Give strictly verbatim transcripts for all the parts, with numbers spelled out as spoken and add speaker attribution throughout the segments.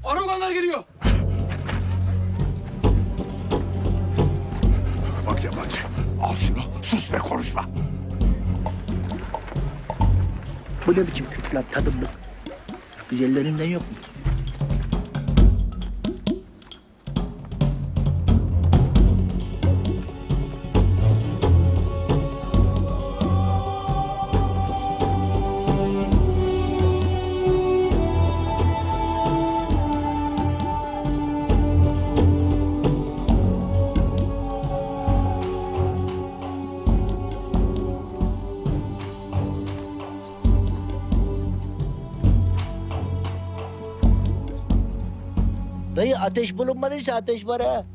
Speaker 1: Aroganlar geliyor.
Speaker 2: Bak yabancı, al şunu, sus ve konuşma.
Speaker 3: Bu ne biçim Kürt lan tadımlık? Güzellerinden yok mu? Dayı ateş bulunmadıysa ateş var ha.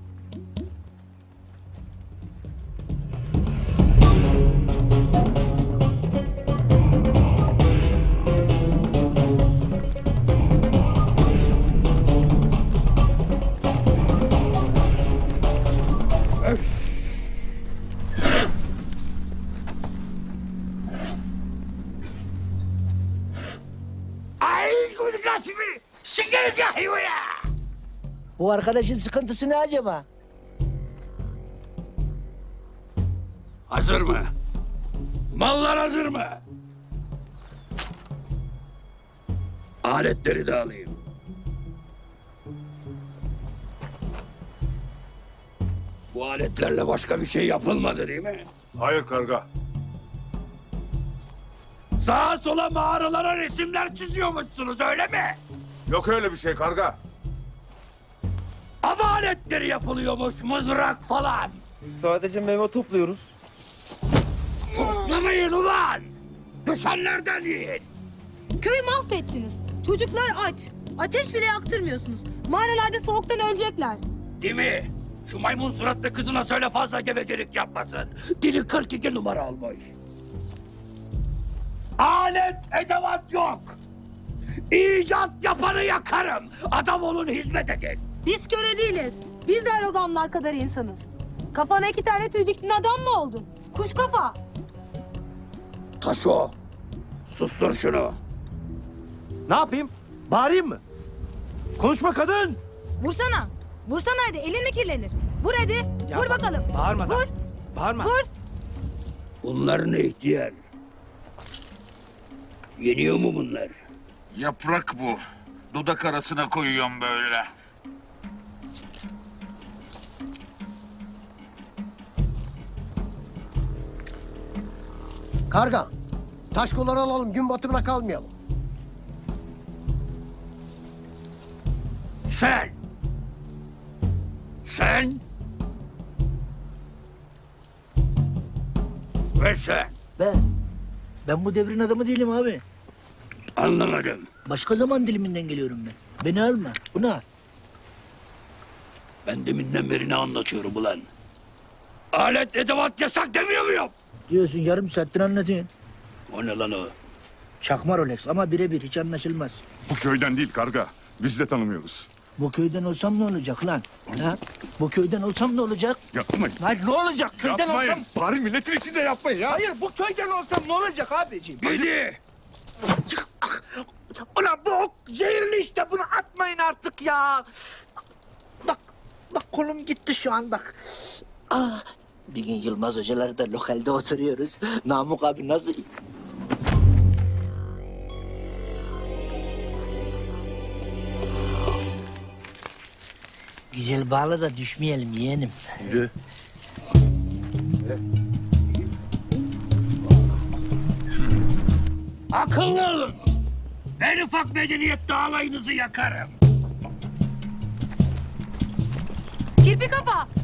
Speaker 2: Ay kulkasını, sikeriz ya hayvaya.
Speaker 3: Bu arkadaşın sıkıntısı ne acaba?
Speaker 1: Hazır mı? Mallar hazır mı? Aletleri de alayım. Bu aletlerle başka bir şey yapılmadı değil mi?
Speaker 2: Hayır karga.
Speaker 1: Sağa sola mağaralara resimler çiziyormuşsunuz öyle mi?
Speaker 2: Yok öyle bir şey karga.
Speaker 1: Av aletleri yapılıyormuş, mızrak falan.
Speaker 4: Sadece meyve topluyoruz.
Speaker 1: Toplamayın ulan! Düşenlerden yiyin!
Speaker 5: Köyü mahvettiniz. Çocuklar aç. Ateş bile yaktırmıyorsunuz. Mağaralarda soğuktan ölecekler.
Speaker 1: Değil mi? Şu maymun suratlı kızına söyle fazla gevezelik yapmasın. Dili kırk iki numara olmuş. Alet edevat yok. İcat yapanı yakarım. Adam olun, hizmet edin.
Speaker 5: Biz köle değiliz. Biz de aroganlar kadar insanız. Kafana iki tane tüy diktin adam mı oldun? Kuş kafa.
Speaker 1: Taşo, sustur şunu.
Speaker 4: Ne yapayım? Bağırayım mı? Konuşma kadın!
Speaker 5: Vursana. Vursana hadi. Elin mi kirlenir? Vur hadi.
Speaker 4: Ya
Speaker 5: Vur
Speaker 4: bak,
Speaker 5: bakalım.
Speaker 4: bağırma da.
Speaker 5: Vur.
Speaker 4: Bağırma.
Speaker 5: Vur.
Speaker 1: Bunlar ne ihtiyar? Yeniyor mu bunlar?
Speaker 6: Yaprak bu. Dudak arasına koyuyorum böyle.
Speaker 7: Karga, taş kolları alalım, gün batımına kalmayalım.
Speaker 1: Sen! Sen! Ve sen!
Speaker 3: Ben, ben bu devrin adamı değilim abi.
Speaker 1: Anlamadım.
Speaker 3: Başka zaman diliminden geliyorum ben. Beni alma, bunu al.
Speaker 1: Ben deminden beri ne anlatıyorum ulan? Alet edevat yasak demiyor muyum?
Speaker 3: Diyorsun yarım saattir anlatıyorsun.
Speaker 1: O ne lan o?
Speaker 3: Çakma Rolex ama birebir hiç anlaşılmaz.
Speaker 2: Bu köyden değil karga. Biz de tanımıyoruz.
Speaker 3: Bu köyden olsam ne olacak lan? Ha? Bu köyden olsam ne olacak?
Speaker 2: Yapmayın.
Speaker 4: Lan ne olacak? Köyden
Speaker 2: Yapmayın.
Speaker 4: olsam...
Speaker 2: Bari milletin içinde yapmayın ya.
Speaker 4: Hayır bu köyden olsam ne olacak abiciğim?
Speaker 1: Gidi!
Speaker 4: Ulan bu ok zehirli işte bunu atmayın artık ya.
Speaker 3: Bak, bak kolum gitti şu an bak. Ah, bir gün Yılmaz Hocalar da lokalde oturuyoruz. Namık abi nasıl... Güzel bağla da düşmeyelim yeğenim.
Speaker 4: Yürü.
Speaker 1: Akıllı olun! En ufak medeniyette alayınızı yakarım.
Speaker 5: Kirpi kafa.